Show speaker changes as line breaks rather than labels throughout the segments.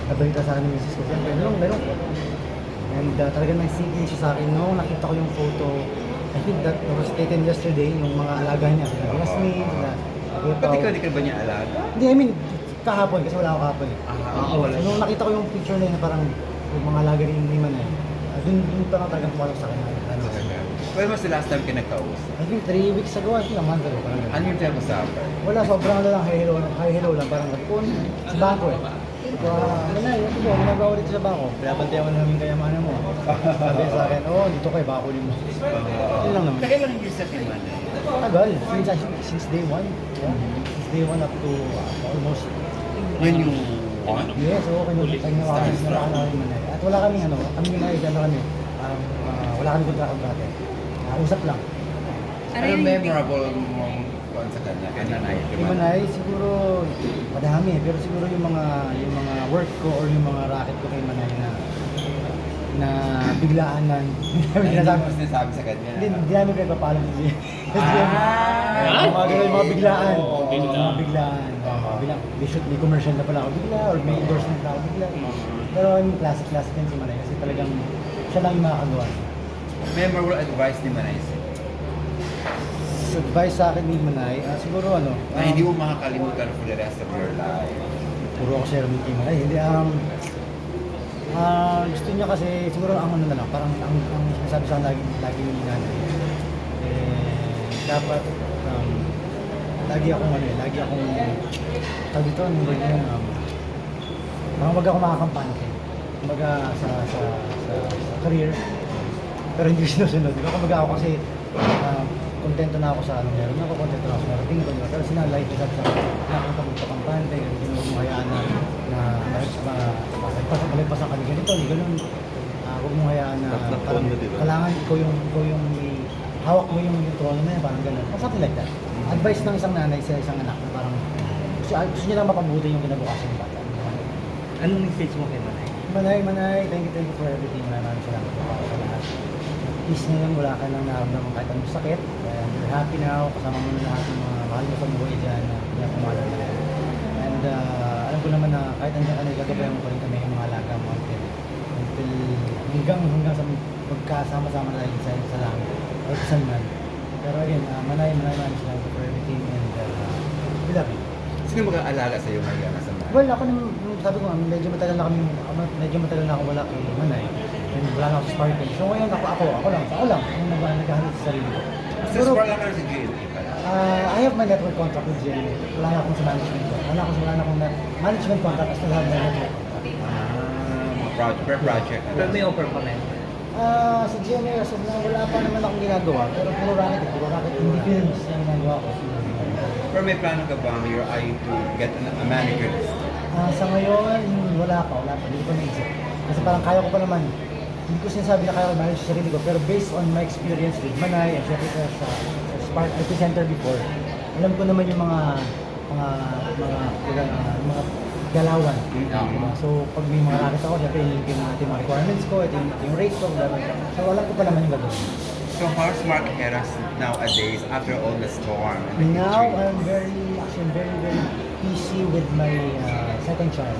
nabalita sa akin ng misis ko. Siyempre, meron ko. And talagang nag-sink siya sa akin noong nakita ko yung photo. I think that was taken yesterday, yung mga alaga niya. Sila Jasmine, sila
Ba't ikaw, di ka ba niya alaga?
Hindi, I mean, kahapon, kasi wala ako kahapon eh.
Wala.
So, nung nakita ko yung picture na yun, parang yung mga alaga rin ni Manay, dun pa lang talagang pumalok sa akin.
When was the last time ka nagkausap?
I think 3 weeks ago, I think a month ago. Parang ganun.
Ano yung pinag-usapan?
Wala, sobrang ano lang, hi hello lang, parang nagpun sa bangko eh. Manay, ito po, ginagawa ulit sa bangko. Pinabantayan mo na namin kayamanan mo. Sabi sa akin, dito kayo, bako mo. Yun lang naman.
Kailan yung years na Manay?
Tagal, since day one. Yeah. Since day one up to almost.
Yun yung one?
Yes, oo, kanya-kanya namin Manay. At wala kaming kami Manay, kami, wala kaming kontrakt dati. Usap lang.
Ano memorable mong kuwan sa kanya? Kay Manay?
Kay Manay, siguro madami, pero siguro yung mga work ko or yung mga racket ko kay Manay na biglaan na
Hindi mo sinasabi sa kanya?
hindi namin pinagpapalam niya. Mga biglaan. Mga biglaan. Bilang, may commercial na pala ako bigla or may endorsement na ako bigla. Pero I mean, classic yan si Manay kasi talagang siya lang yung makakagawa.
Memorable advice ni Manay sa'yo?
Advice sa akin ni Manay, siguro
Na hindi mo makakalimutan for the rest of your life.
puro ako share with kay Manay. Hindi, gusto niya kasi, siguro ang ano na lang, parang ang sinasabi sa akin lagi ni Nanay, dapat, lagi akong tawag dito, yung word na yun, parang wag ako makakampante. Kumbaga sa career, pero hindi sinusunod. Diba? Kumbaga ako kasi, kontento na ako sa ano meron ako, kontento na ako sa marating ko, diba? Pero sinalay ko sa nakita mo sa kampante, hindi mo hayaan na malagpasan kami ganito, hindi ganun. Huwag mong hayaan na parang kailangan ikaw yung hawak mo yung trono na yan, parang ganun. Something like that. Advice ng isang nanay sa isang anak na parang gusto niya lang mapabuti yung kinabukasan ng bata.
Anong message mo kay Manay?
Manay, thank you for everything. Maraming salamat po sa lahat. Peace na lang, wala ka nang naramdaman kahit anong sakit. You're happy now, kasama mo na lahat ng mga mahal mo sa buhay dyan na pinapumalan na yan. And alam ko naman na kahit nandiyan ka na, gagabayan mo pa rin kami yung mga alaga mo until hanggang sa magkasama-sama na tayo sa langit. O saan man. Pero again, Manay, maraming salamat for everything and we love you.
Sino mag-aalaga sa'yo ngayon sa Manay?
Well, ako nung sabi ko, medyo matagal na ako wala kay Manay. And wala na ako sa Sparkle. So ngayon ako lang, yung naghahanap sa sarili ko.
Sa sport lang ka rin sa GLA pala?
I have my network contract with GMA. Wala na akong sa management ko. Wala na akong management contract as well have my network contract.
Per project.
Pero may offer pa rin.
Sa GMA, so wala pa naman akong ginagawa. Pero puro racket, hindi films yung ginagawa ko.
Pero may plano ka bang your eye to get a manager list?
Sa ngayon, wala pa. Hindi ko pa naisip. Kasi parang kaya ko pa naman. Hindi ko sinasabi na kaya ko manage sa sarili ko. Pero based on my experience with Manay and syempre sa Spark Epicenter before, alam ko naman yung mga galawan. Diba? So, pag may mga racket ako, syempre yung mga requirements ko, ito yung rate ko, diba? So, alam ko pa naman yung gagawin.
So how's Mark Heras nowadays after all the storm and the
Now,
injury?
I'm very busy with my second child.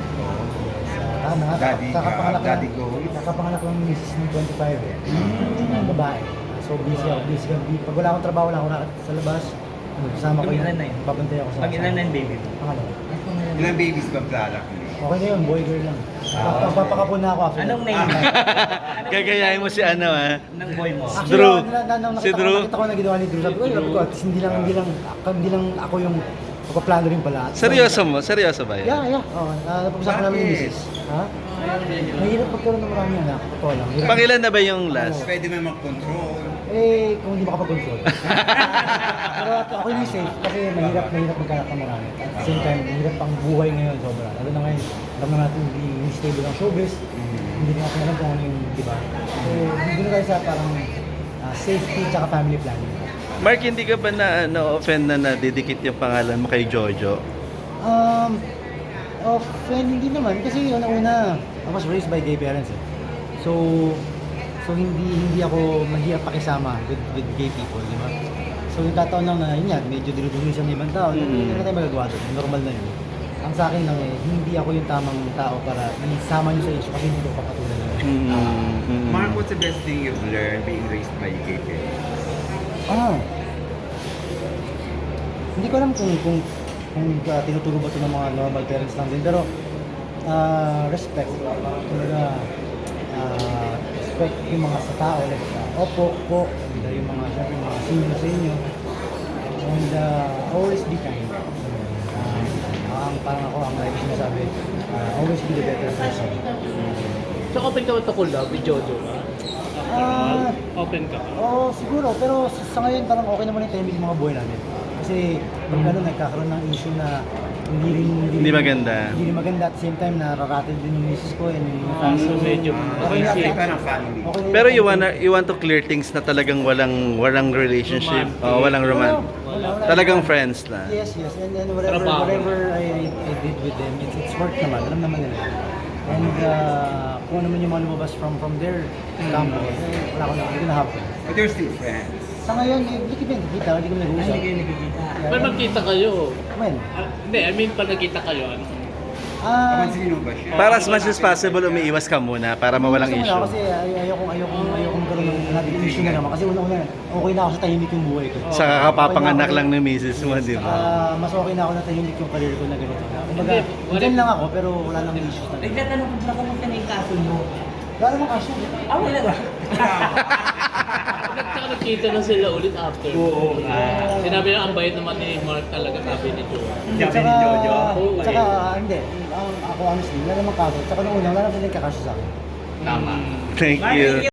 Daddy goals?
Nakapanganak lang ng misis ng 25 eh. Ang babae. So busy ako. Pag wala akong trabaho, wala akong racket sa labas, kasama ko
Ilan na yun?
babantay ako sa...
Pag ilan na yung baby mo?
Pangalawa.
Ilang babies ba plala ko?
Okay na yun, boy girl lang. Papakapon na ako after.
Anong name?
Gagayahin mo si ano
Ng boy mo?
Actually,
Drew.
Si Drew. Nakita ko na ginawa ni Drew. Sabi ko, at least hindi lang ako yung pagpaplano rin pala.
Seryoso mo? Seryoso ba yan?
Yeah. Napag-usapan namin yung business. Ha? Mahirap pagkaroon ng maraming anak. Totoo lang. Hirap.
Pangilan na ba yung last?
Pwede mo mag-control.
Kung hindi makapag-control. Pero ako yung safe kasi mahirap magkanak ng marami. At the same time, mahirap pang buhay ngayon sobra. Lalo na ngayon, alam na natin hindi stable ang showbiz. Hindi natin alam kung ano yung, di ba? So, hindi na tayo sa parang safety at family planning.
Mark, hindi ka ba offend na nadidikit yung pangalan mo kay Jojo?
Offend hindi naman kasi una I was raised by gay parents eh. So hindi ako mahirap pakisama with gay people, di ba? So yung tataon lang na yun yan, medyo dinudumisan ng ibang tao, hindi na tayo magagawa doon, normal na yun. Ang sa akin lang hindi ako yung tamang tao para isama niyo sa issue kasi hindi ko papatulan yun.
Mark, what's the best thing you've learned being raised by gay parents?
Hindi ko alam kung tinuturo ba ito ng mga normal parents lang din, pero respect. Talaga, respect yung mga sa tao, like, opo, po, and yung mga, syempre, yung mga senior sa inyo. And always be kind. Parang ako, ang like sinasabi, always be the better person.
So open ka ba to collab with Jojo ba? Open ka ba?
Oo, siguro. Pero sa ngayon, parang okay naman yung timing ng mga buhay namin. Kasi pag nagkakaroon ng issue na
Hindi maganda.
Hindi rin maganda. At the same time, nararatid din yung misis ko and yung
So medyo
Okay na,
easy.
Parang family.
okay na
Pero
yung-
you want to clear things na talagang walang relationship,
Romantic.
walang roman.
Wala.
Talagang friends na.
Yes. And then whatever
Trabaho.
I did with them, it's work naman. Alam naman nila. And kung ano man yung mga lumabas from their camp, wala ko na, hindi ko na-happen.
But you're still friends.
Sa ngayon, hindi ko nakikita, hindi ko nag-uusap.
Hindi kayo nagkikita.
Pag magkita kayo,
When?
hindi, I mean pag nagkita kayo, ano?
Kapansinin mo ba siya?
Para as much as possible, umiiwas ka muna para mawalang
gusto ko na,
issue.
Kasi ayoko magkaroon ng naging issue na naman. Kasi una-una, okay na ako sa tahimik yung buhay ko.
Sa kakapapanganak lang ng misis mo, di ba?
Mas okay na ako na tahimik yung career ko na ganito. Kumbaga,
Hindi,
dyan lang ako pero wala nang issues na.
Nagtatanong ko pala kung na yung kaso mo.
Wala namang kaso.
Wala ba?
Tsaka nagkita na sila ulit after.
Oo.
Sinabi lang ang bayad naman ni Mark talaga, sabi ni Jojo.
Sabi ni Jojo.
Tsaka, hindi. Ako honestly, wala namang kaso. Tsaka nung una, wala namang kakasya sa akin.
Tama.
Thank you.